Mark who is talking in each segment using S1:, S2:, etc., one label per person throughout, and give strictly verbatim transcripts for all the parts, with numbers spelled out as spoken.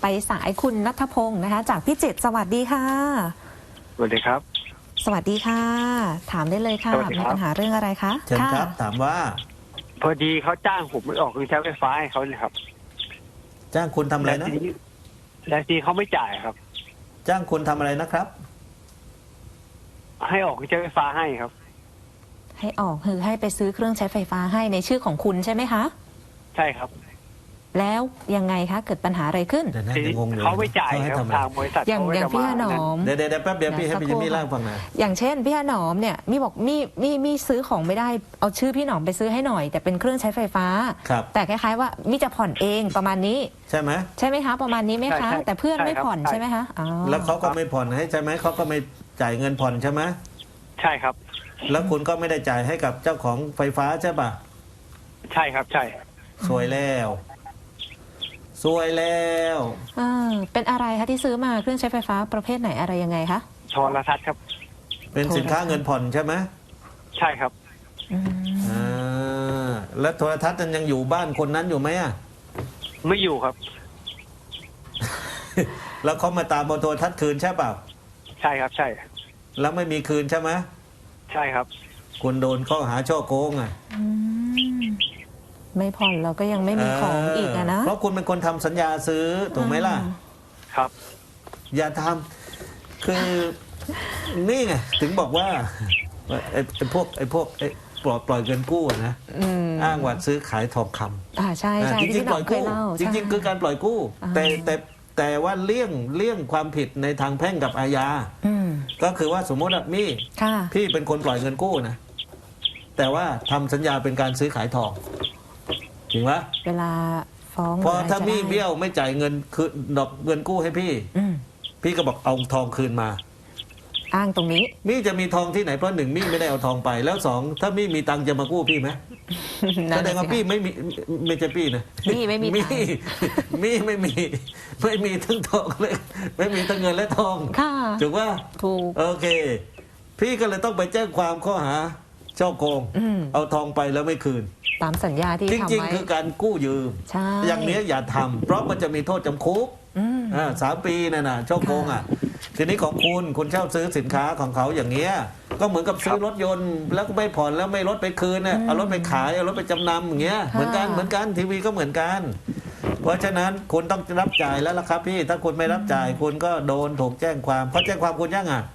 S1: ไปสายคุณณัฐพงศ์นะคะจากพิจิตรสวัสดีค่ะ
S2: สวัสดีครับ
S1: สวัสดีค่ะถามได้เลยค่ะมีปัญหาเรื่องอะไรคะ
S3: เชิญครับถามว่า
S2: พอดีเขาจ้างผมไปออกเครื่องใช้ไฟฟ้าให้เขาเลยครับ
S3: จ้างคุณทำอะไรนะ
S2: แต่ทีเขาไม่จ่ายครับ
S3: จ้างคุณทำอะไรนะครับ
S2: ให้ออกเครื่องใช้ไฟฟ้าให้ครับ
S1: ให้ออกคือให้ไปซื้อเครื่องใช้ไฟฟ้าให้ในชื่อของคุณใช่ไหมคะ
S2: ใช่ครับ
S1: แล้วยังไงคะเกิดปัญหาอะไรขึ้น
S2: เขาไม่จ่ายครับทางบริษัท
S1: อย่างอย่างพี่หนอม
S3: เดี๋ยวเดี๋ยวแป๊บเดียวพี่ให้พี่จะมีเล่าฟังนะ
S1: อย่างเช่นพี่หนอมเนี่ยมีบอกมีมีมีซื้อของไม่ได้เอาชื่อพี่หนอมไปซื้อให้หน่อยแต่เป็นเครื่องใช้ไฟฟ้าแต่คล้ายๆว่ามีจะผ่อนเองประมาณนี้
S3: ใช่ไหม
S1: ใช่ไหมคะประมาณนี้ไหมคะแต่เพื่อนไม่ผ่อนใช่ไหมคะ
S3: แล้วเขาก็ไม่ผ่อนให้ใช่ไหมเขาก็ไม่จ่ายเงินผ่อนใช่ไหม
S2: ใช่ครับ
S3: แล้วคุณก็ไม่ได้จ่ายให้กับเจ้าของไฟฟ้าใช่ป่ะ
S2: ใช่ครับใช่
S3: สวยแล้วสวยแล้ว
S1: อ่าเป็นอะไรคะที่ซื้อมาเครื่องใช้ไฟฟ้าประเภทไหนอะไรยังไงคะ
S2: โทรทัศน์ครับ
S3: เป็นสินค้าเงินผ่อนใช่ไหม
S2: ใช่ครับ
S3: อ่าแล้วโทรทัศน์นั้นยังอยู่บ้านคนนั้นอยู่ไหมอ่ะ
S2: ไม่อยู่ครับ
S3: แล้วเขามาตามเอาโทรทัศน์คืนใช่เปล่า
S2: ใช่ครับใช่
S3: แล้วไม่มีคืนใช่ไหม
S2: ใช่ครับ
S3: คุณโดนข้อหาช่อโกงอ่ะ
S1: ไม่ผ่อนเราก็ยังไม่มีของอีกอะนะ
S3: เพราะคุณเป็นคนทำสัญญาซื้อถูกไหมล่ะ
S2: ครับ
S3: อย่าทำคือนี่ไงถึงบอกว่าไอ้พวกไอ้พวกไอ้ปล่อยปล่อยเงินกู้นะอ้างว่าซื้อขายทองคำ
S1: อ่าใช่ใช่
S3: จริงๆปล่อยกู้จริงๆคือการปล่อยกู้แต่แต่แต่ว่าเลี่ยงเลี่ยงความผิดในทางแพ่งกับอาญาก็คือว่าสมมติว่ามี่พี่เป็นคนปล่อยเงินกู้นะแต่ว่าทำสัญญาเป็นการซื้อขายทองจริงไหม
S1: เวลาฟ้อง
S3: พอถ้ามี่เบี้ยวไม่จ่ายเงินคือดอกเงินกู้ให้พี่พี่ก็บอกเอาทองคืนมา
S1: อ้างตรงนี้
S3: มี่จะมีทองที่ไหนเพราะหนึ่งมี่ไม่ได้เอาทองไปแล้วสองถ้ามี่มีตังจะมากู้พี่ไหมแสดงว่าพี่ไม่มีไม่ใช่พี่นะ
S1: มี่ไม่มี
S3: มี่มี่ไม่มีไม่มีทั้งทองเลยไม่มีทั้งเงินและทองถูกว่า
S1: ถูก
S3: โอเคพี่ก็เลยต้องไปแจ้งความข้อหาช่อโกงเอาทองไปแล้วไม่คืน
S1: ตามสัญญาที่ทำไว้
S3: จริงๆคือการกู้ยืมอย่างนี้อย่าทำเพราะมันจะมีโทษจำคุกสามปีนั่นน่ะช่อโกงอ่ะทีนี้ของคุณคุณเช่าซื้อสินค้าของเขาอย่างเงี้ยก็เหมือนกับซื้อรถยนต์แล้วก็ไม่ผ่อนแล้วไม่รถไปคืนเนี่ยเอารถไปขายเอารถไปจำนำอย่างเงี้ยเหมือนกันเหมือนกันทีวีก็เหมือนกันเพราะฉะนั้นคุณต้องรับจ่ายแล้วล่ะครับพี่ถ้าคุณไม่รับจ่ายคุณก็โดนถูกแจ้งความเขาแจ้งความคุณยังอ่ะ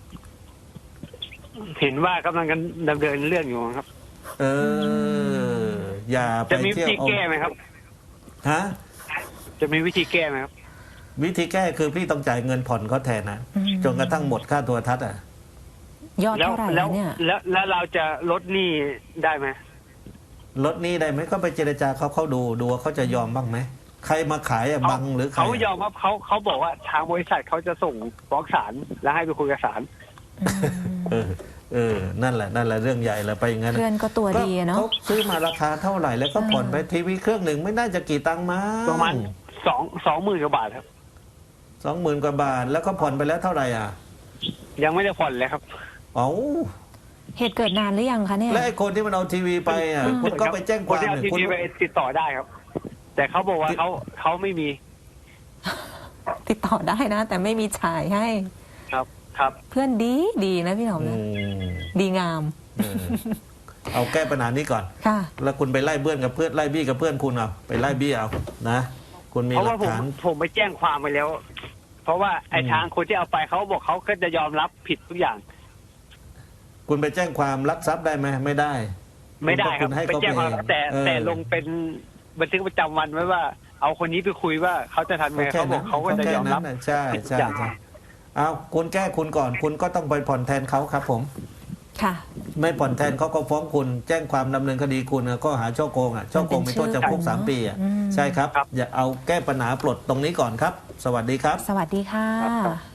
S2: เห็นว่ากำลังกันดำเนินเรื่องอยู่ครับ
S3: เอออย่าไปเที่ยว
S2: จะมีวิธีแก้ไหมครับ
S3: ฮะ
S2: จะมีวิธีแก้ไหมครับ
S3: วิธีแก้คือพี่ต้องจ่ายเงินผ่อนเขาแทนนะจนกระทั่งหมดค่าโทรทัศน์อ่ะ
S1: ยอดเท่าไหร่เนี่ย
S2: แล้วแล้วเราจะลดหนี้ได้ไหม
S3: ลดหนี้ได้ไหมก็ไปเจรจาเขาเขาดูดูว่าเขาจะยอมบ้างไหมใครมาขายอะบังหรือใคร
S2: เขายอมครับเขาเขาบอกว่าทางบริษัทเขาจะส่งฟ้องศาลแล้วให้ไปคุยกับศาล
S3: เออเออนั่นแหละนั่นแหละเรื่องใหญ่แล้วไปอย่างนั้น
S1: เพื่อนก็ตัวดีเนาะ
S3: เขาซื้อมาราคาเท่าไหร่แล้วก็ผ่อนไปทีวีเครื่องหนึ่งไม่น่าจะกี่ตังค์มา
S2: ประมาณสองสองหมื่นกว่าบาทครับ
S3: สองหมื่นกว่าบาทแล้วก็ผ่อนไปแล้วเท่าไหร่อ่ะ
S2: ยังไม่ได้ผ่อนเลยครับ
S3: เอ้า
S1: เหตุเกิดนานหรือยังคะเนี่ย
S3: และไอ้คนที่มันเอาทีวีไปอ่ะคุณก็ไปแจ้งความ
S2: เนี่ยคุณไปติดต่อได้ครับแต่เขาบอกว่าเขาเขาไม่มี
S1: ติดต่อได้นะแต่ไม่มีจ่ายให้
S2: ครับครับ
S1: เพื่อนดีดีนะพี่หนอมนะดีงาม
S3: เอาแก้ปัญหานี้ก่อนแล้วคุณไปไล่เบื้อนกับเพื่อนไล่บี้กับเพื่อนคุณเอาไปไล่บี้เอานะคุณมีหลักฐาน
S2: ผมไปแจ้งความไปแล้วเพราะว่าไอ้ทางคนที่เอาไปเขาบอกเขาก็จะยอมรับผิดทุกอย่าง
S3: คุณไปแจ้งความลักทรัพย์ได้ไหมไม่ได้
S2: ไม่ได้ครับไปแจ้งความแต่แต่ลงเป็นบันทึกประจำวันไว้ว่าเอาคนนี้ไปคุยว่าเขาจะทำไงเขาบอกเขาก็จะยอมรับ
S3: ใช่ใช่ใช่เอาคุณแก้คุณก่อนคุณก็ต้องไปผ่อนแทนเขาครับผม
S1: ค่ะ
S3: ไม่ผ่อนแทนเขาก็ฟ้องคุณแจ้งความดำเนินคดีคุณก็หาช่อโกงอ่ะช่อโกงมีโทษจำคุกสามปีอ่ะใช่ครับอย่าเอาแก้ปัญหาปลดตรงนี้ก่อนครับสวัสดีครับ
S1: สวัสดีค่ะ